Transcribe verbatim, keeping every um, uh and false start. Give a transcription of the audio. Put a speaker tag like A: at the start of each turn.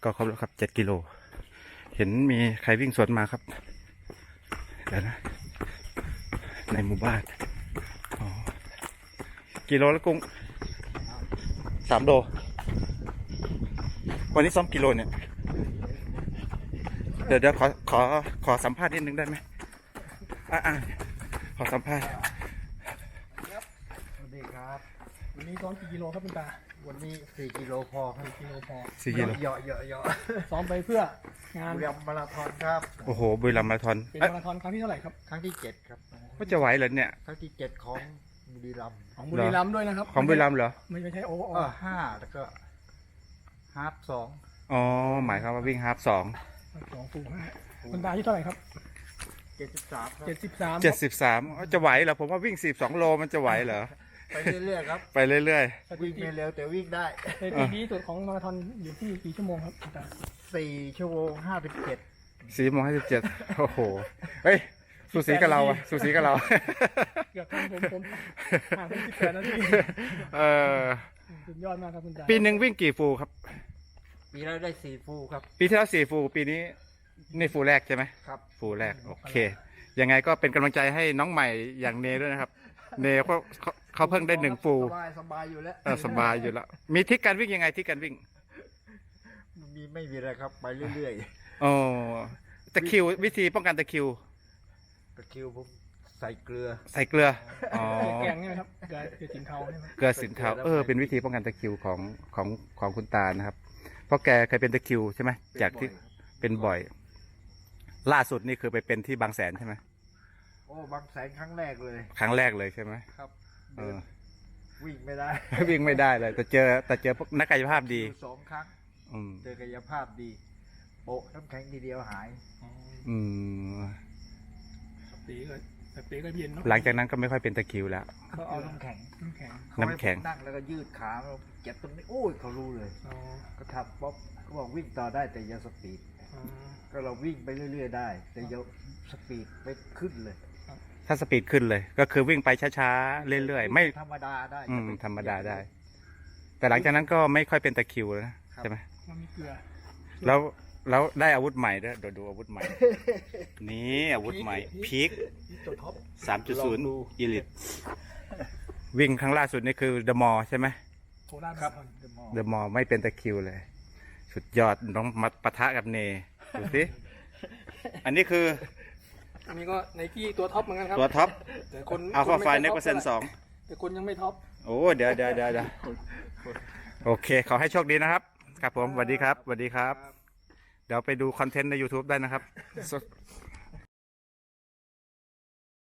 A: ก็ครบแล้วครับเจ็ดกิโลเห็นมีใครวิ่งสวนมาครับเดี๋ยวนะในหมู่บ้านอ๋อกิโลแล้วกุ้งสามโลวันนี้ซ้อมกิโลเนี่ยเดี๋ยวเดี๋ยวขอขอขอสัมภาษณ์นิดนึงได้ไหมอ่ะอ่ะขอสัมภาษณ์
B: สวัสดีครับ
C: วันนี้ซ้อมกี่กิโลครับคุณตา
B: วันนี้สี่กิโลพอครับ
C: กิโลพอ
A: สี่กิโล
B: เหยาะเหยาะเหยาะ
C: ซ้อมไปเพื่องาน
B: บุรีรัมย์มาราธอนครับ
A: โอ้โหบุรีรัมย์มาราธอน
C: เป็น
A: เอ๊ะ
C: มาราธอนครั้งที่เท่าไหร่ครับ
B: ครั้งที่เจ็ดครับ
A: ว่าจะไหวเหรอเนี่ย
B: ครั้งที่เจ็ดของบุรีรัมย์
C: ของบุรีรัมย์ด้วยนะครับ
A: ของบุรีรัมย์เหรอ
C: ไม่ไม่ใช่โอโอ
B: เออห้าแล้วก็ฮาร์ปสอง
A: อ๋อหมายความว่าวิ่งฮาล์ฟสอง
C: สองฟูห้าคุณตาอายุเท่าไหร่ครับ
B: เจ็ดสิบสามครับ
C: เจ็ดสิบสาม
A: เจ็ดสิบสามจะไหวเหรอผมว่าวิ่งสิบสองโลมันจะไหวเหรอ
B: ไปเรื่อยๆครับ
A: ไปเรื่อย
C: สถิ
B: วิ่ง
C: ติ
B: ไม่เร็วแต่วิ่งได้
C: สถิติดีที่สุดของมาราธอนอยู่ที่กี่ชั่วโมงครับคุณตา
B: สี่ชั่วโมงห้าสิบเจ็ด
A: ๆสี่โมงห้าสิบเจ็ดโอ้โหเฮ้ยสูสีกับเราอะสูสีกับเรา
C: เกือบทันผมผมห่างเป็นสิบแปดนาที
A: เออ
C: สุดยอดมากครับคุณตา
A: ปีหนึ่งวิ่งกี่ฟูครับ
B: ปีแล้วได้สี่ฟูครับ
A: ปีที่แล้วสี่ฟูปีนี้นี่ฟูแรกใช่ไหม
B: ครับ
A: ฟูแรกโอเคยังไงก็เป็นกำลังใจให้น้องใหม่อย่างเนด้วยนะครับ เนเขาเขาเขาเพิ่งได้หนึ่งฟู
B: สบายสบายอยู่แล้ว
A: เออสบายอยู่แล้วมีทริกการวิ่งยังไงที่การวิ่ง
B: มีไม่มีอะไรครับไปเรื่อย
A: อ๋อตะคริววิธีป้องกันตะคริว
B: ๆตะคริวผมใส่เกลือ
A: ใส่เกลืออ๋อ
C: แกงใช่ไหมครับเกลือเกลือสินเทาใช่ไหม
A: เกลือสินเทาเออเป็นวิธีป้องกันตะคริวของของของคุณตานะครับ เพราะแกเคยเป็นตะคริวใช่ไหมจากที่เป็นบ่อย ล่าสุดนี่คือไปเป็นที่บางแสนใช่ไหม
B: โอ้บางแสนครั้งแรกเลย
A: ครั้งแรกเลยใช่ไหม
B: ครับ
A: เอ
B: เดิน
A: อ
B: วิ่งไม่ได้
A: วิ่งไม่ได้เลย แต่เจอแต่เจอพวกนักกายภาพดี
B: อยู่สองครั้ง
A: อืม
B: เจอกายภาพดี โปะน้ำแข็งทีเดียวหาย
C: อ๋อ
A: อืม
C: สปีก็สปีก็เย็นเนาะ
A: หลังจากนั้นก็ไม่ค่อยเป็นตะคริวแล้ว
B: เขาเอาน้ำแข็ง
C: น้ำแข็ง
A: น้ำแข็ง
B: เขาให้ผมนั่งแล้วก็ยืดขาแล้วเจ็บตรงนี้โอ้ยเขารู้เลย
C: อ๋อ
B: ก็ทำป๊อบเขาบอกวิ่งต่อได้แต่อย่าสปีด
C: อ๋อ
B: ก็เราวิ่งไปเรื่อยๆได้ แต่อย่าสปีดไปขึ้นเลย
A: ถ้าสปีดขึ้นเลย ก็คือวิ่งไปช้าๆเรื่อยๆไม่
B: ธรรมดาได้
A: อืม
B: อย่ไป
A: ธรรมดาได้ แต่หลังจากนั้นก็ไม่ค่อยเป็นตะคริวแล้วนะใช่ไหม
C: มันมีเกลือ
A: แล้วแล้วได้อาวุธใหม่ด้วยเดี๋ยวดูอาวุธใหม่ นี่อาวุธใหม่พีค
C: ตัวท็อป
A: สามจุดศูนย์อีลิตวิ่งครั้งล่าสุดนี่คือเดอะมอลใช่ไหม
C: โคราช
B: ครับ
C: มาราธอน
B: เดอะมอล
A: เดอะมอลไม่เป็นตะคริวเลย สุดยอดน้องมาปะทะกับเนดูสิอันนี้คือ
C: อันนี้ก็ไนกี้ตัวท็อปเหมือนกันครับ
A: ตัวท็อป
C: แต่คน
A: อัลฟาไฟ
C: ค
A: เน็กเปอร์เซ็นต์สอง
C: แต่คนยังไม่ท็อป
A: โอ้เดี๋ยวเดี๋ยวเดี๋ยวเดี๋ยวโอเค ขอให้โชคดีนะครับ ครับผมสวัสดีครับสวัสดีครับ เดี๋ยวไปดูคอนเทนต์ใน YouTube ได้นะครับ